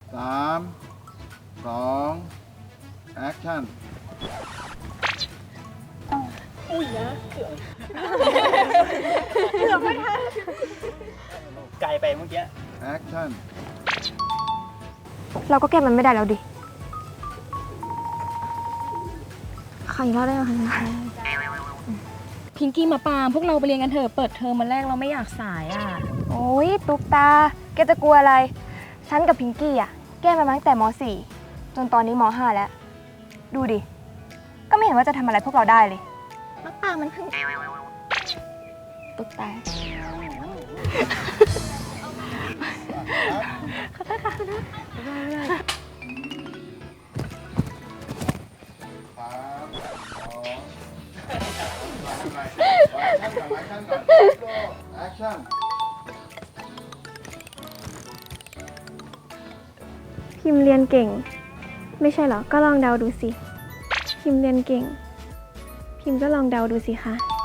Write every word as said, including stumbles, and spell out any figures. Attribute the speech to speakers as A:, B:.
A: สามสองแอคชั่น
B: อุ้ยนะเกือบเกือบไม่ทันไกลไปเมื่อกี้
A: แอคชั่น
C: เราก็แก้มันไม่ได้แล้วดิใครก็ได้ไหมคะ
D: พิงกี้มาปามพวกเราไปเรียนกันเถอะเปิดเทอมมาแรกเราไม่อยากสายอ่ะ
C: โอ้ยตุ๊กตา แกจะกลัวอะไร ฉันกับพิงกี้อ่ะ แก้มาตั้งแต่ม สี่ จนตอนนี้ม ห้า แล้ว ดูดิ ก็ไม่เห็นว่าจะทำอะไรพวกเราได้เลยมะปางมันเพิ่งตุ๊กตา
A: สามสองแอคชั่นก่อนแอคชั่นก่อนแอคชั่น
E: พิมพ์เรียนเก่ง ไม่ใช่เหรอ ก็ลองเดาดูสิ พิมพ์เรียนเก่ง พิมพ์ก็ลองเดาดูสิคะ